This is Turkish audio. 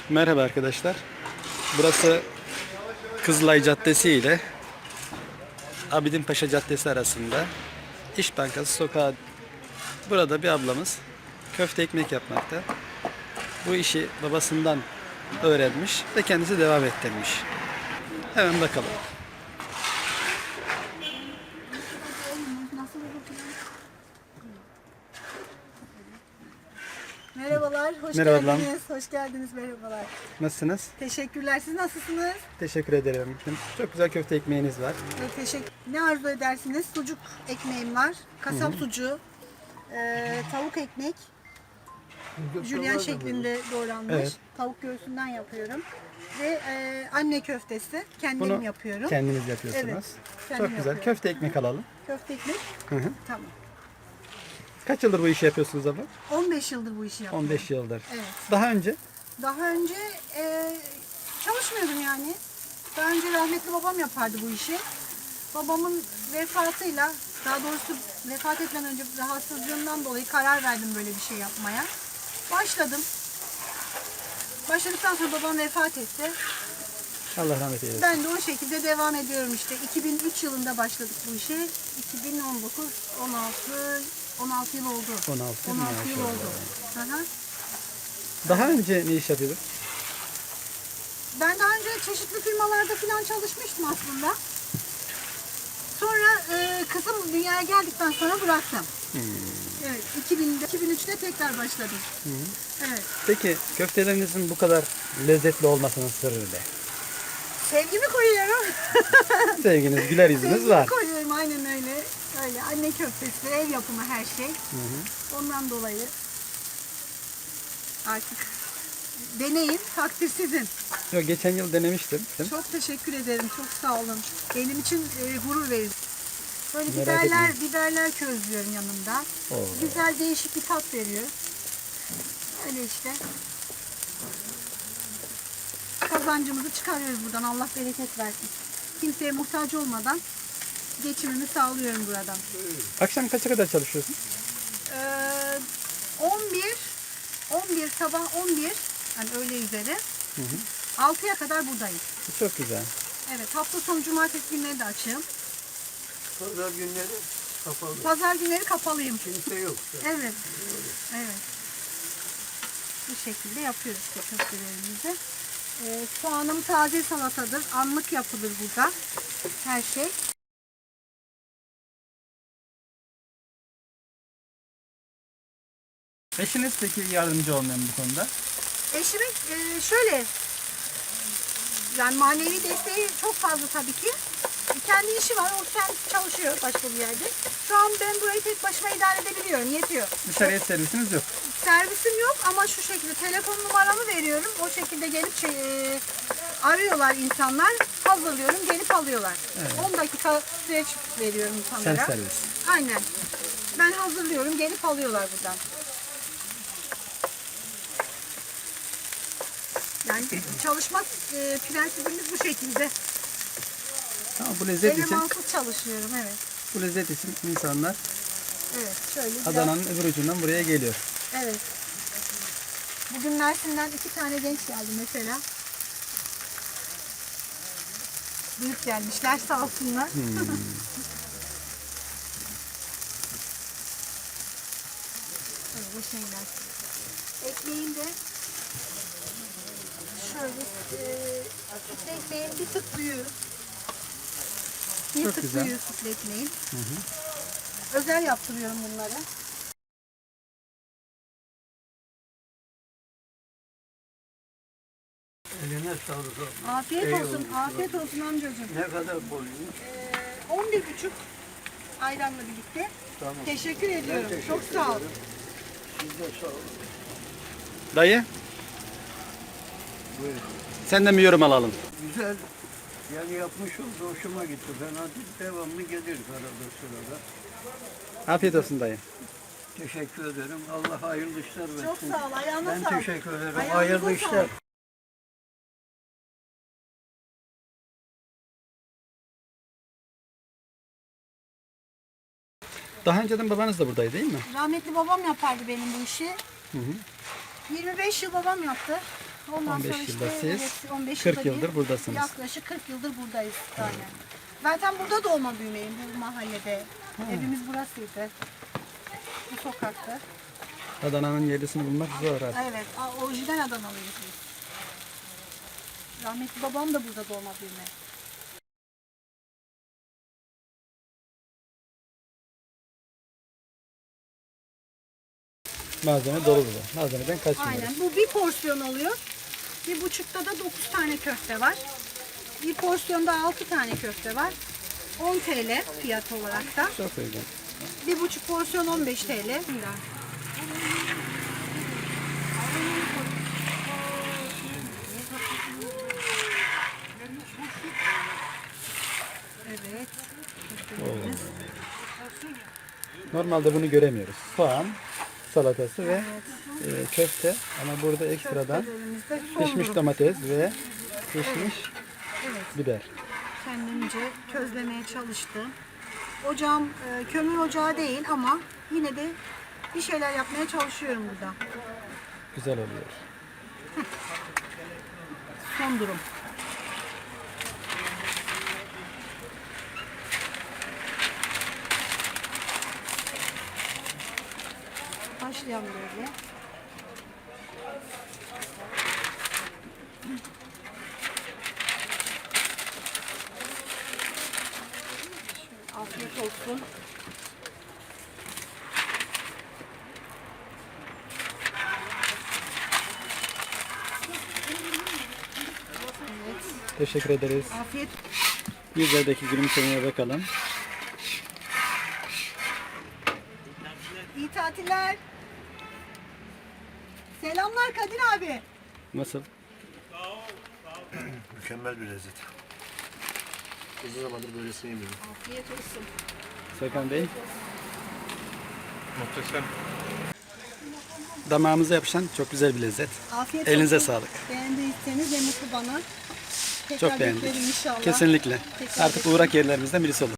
Merhaba arkadaşlar. Burası Kızılay Caddesi ile Abidinpaşa Caddesi arasında İş Bankası sokağı. Burada bir ablamız köfte ekmek yapmakta. Bu işi babasından öğrenmiş ve kendisi devam ettirmiş. Hemen bakalım. Merhabalar, hoş Merhaba ablam. geldiniz. Hoş geldiniz, merhabalar. Nasılsınız? Teşekkürler. Siz nasılsınız? Teşekkür ederim. Çok güzel köfte ekmeğiniz var. Teşekkür. Ne arzu edersiniz? Sucuk ekmeğim var. Kasap sucuğu, tavuk ekmek, jülyen şeklinde doğranmış. Evet. Tavuk göğsünden yapıyorum. Ve anne köftesi. Kendim Bunu yapıyorum. kendiniz yapıyorsunuz. Evet, Çok kendim güzel. yapıyorum. Köfte ekmek alalım. Köfte ekmek. Hı hı. Tamam. Kaç yıldır bu işi yapıyorsunuz abla? 15 yıldır bu işi yapıyorum. 15 yıldır. Evet. Daha önce? Daha önce çalışmıyordum yani. Daha önce rahmetli babam yapardı bu işi. Babamın vefatıyla, daha doğrusu vefat etmeden önce rahatsızlığından dolayı karar verdim böyle bir şey yapmaya. Başladım. Başladıktan sonra babam vefat etti. Allah rahmet eylesin. Ben de o şekilde devam ediyorum işte. 2003 yılında başladık bu işe. 2019, 16 yıl oldu. 16 yıl 16 yıl maşallah. oldu. Hı hı. Daha önce ne iş yapıyordun? Ben daha önce çeşitli firmalarda falan çalışmıştım aslında. Sonra kızım dünyaya geldikten sonra bıraktım. Evet, 2003'te tekrar başladım. Evet. Peki köftelerinizin bu kadar lezzetli olmasının sırrı ne? Sevgimi koyuyorum. Sevginiz, güler yüzünüz Sevgimi var. koyuyorum, aynen öyle. Öyle anne köftesi, ev yapımı her şey. Ondan dolayı artık deneyin, takdir sizin. Yok, geçen yıl denemiştim. Çok teşekkür ederim, çok sağ olun. Benim için gurur verici. Böyle Merak biberler közlüyorum yanında. Oo. Güzel değişik bir tat veriyor. Öyle işte. Kazancımızı çıkarıyoruz buradan. Allah bereket versin. Kimseye muhtaç olmadan geçimimi sağlıyorum buradan. Akşam kaça kadar çalışıyorsun? 11 sabah 11 yani öğle üzeri 6'ya kadar buradayım. Çok güzel. Evet, hafta sonu cumartesi günleri de açığım. Pazar günleri kapalı. Pazar günleri kapalıyım. Kimse yok. Evet. Evet. Bu şekilde yapıyoruz işte köftelerimizi. Soğanım taze salatadır. Anlık yapılır burada. Her şey. Eşiniz peki yardımcı olmayan bu konuda? Eşimin şöyle yani manevi desteği çok fazla tabii ki. Kendi işi var. O kendisi çalışıyor başka bir yerde. Şu an ben burayı tek başıma idare edebiliyorum. Yetiyor. Dışarıya servisiniz yok. Servisim yok ama şu şekilde telefon numaramı veriyorum. O şekilde gelip arıyorlar insanlar. Hazırlıyorum, gelip alıyorlar. Evet. 10 dakika süreç veriyorum insanlara. Sen servis. Aynen. Ben hazırlıyorum, gelip alıyorlar buradan. Yani çalışma prensibimiz bu şekilde. Ama bu lezzet için, Elemantsız çalışıyorum, evet. bu lezzet için insanlar Evet, şöyle biraz. Adana'nın öbür ucundan buraya geliyor. Evet. Bugün Mersin'den 2 tane genç geldi mesela. Büyük gelmişler sağ olsunlar. Evet, bu şeyler. Ekmeğin de şöyle sütlü ekmeğin bir tık büyüğü. Bir Çok tık güzel. büyüğü sütlü ekmeğin. Özel yaptırıyorum bunları. Eline sağlık. Afiyet Eyvallah. olsun, afiyet olsun amcacığım. Ne kadar boyunuz? 11,5 ayranla birlikte. Tamam. Teşekkür ediyorum. teşekkür Çok sağ ol. Siz de sağ olun. Dayı, Buyurun. senden bir yorum alalım. Güzel. Yani yapmış oldu. Hoşuma gitti. Fena değil. Devamlı gelir arada sırada. Afiyet olsun dayı. Teşekkür ederim. Allah hayırlı işler versin. Çok sağ ol. Ayağına Ben sağlık. teşekkür ederim. Ayağınıza Hayırlı sağlık. işler. Daha önceden babanız da buradaydı değil mi? Rahmetli babam yapardı benim bu işi. 25 yıl babam yaptı. Ondan 15 sonra işte yılda siz, evet, 15 40 yılda bir, yıldır buradasınız. Yaklaşık 40 yıldır buradayız yani. Zaten burada doğma büyümeyim bu mahallede. Evimiz burasıydı. Bu sokaktı. Adana'nın yerlisini bulmak zor artık. Evet, orijinal Adanalıyız biz. Rahmetli babam da burada doğma büyüme. Malzeme dolu burada. Malzemeden kaçmıyoruz. Aynen. Bu bir porsiyon oluyor. Bir buçukta da 9 tane köfte var. Bir porsiyonda 6 tane köfte var. 10 TL fiyat olarak da. Çok uygun. Bir buçuk porsiyon 15 TL. Evet. Normalde bunu göremiyoruz. Soğan, salatası ve köfte. Ama burada ekstradan Köftelerimizde pişmiş son durum. domates ve pişmiş biber. Kendimce közlemeye çalıştım. Ocağım kömür ocağı değil ama yine de bir şeyler yapmaya çalışıyorum burada. Güzel oluyor. Son durum. Başlayalım böyle. Şöyle afiyet olsun. Teşekkür ederiz. Afiyet. Yüzlerdeki gülümsemeye bakalım. İyi tatiller. Selamlar Kadir abi. Nasıl? Mükemmel bir lezzet. Uzun zamandır böylesini yemiyorum. Afiyet olsun. Serkan Bey, Muhteşem. damağımıza yapışan çok güzel bir lezzet. Afiyet Elinize olsun. sağlık. Beğendiyseniz ne mutlu bana. Tekrar Çok beğendik. beklerim inşallah. Kesinlikle. Tekrar Artık uğrak yerlerimizden birisi olur.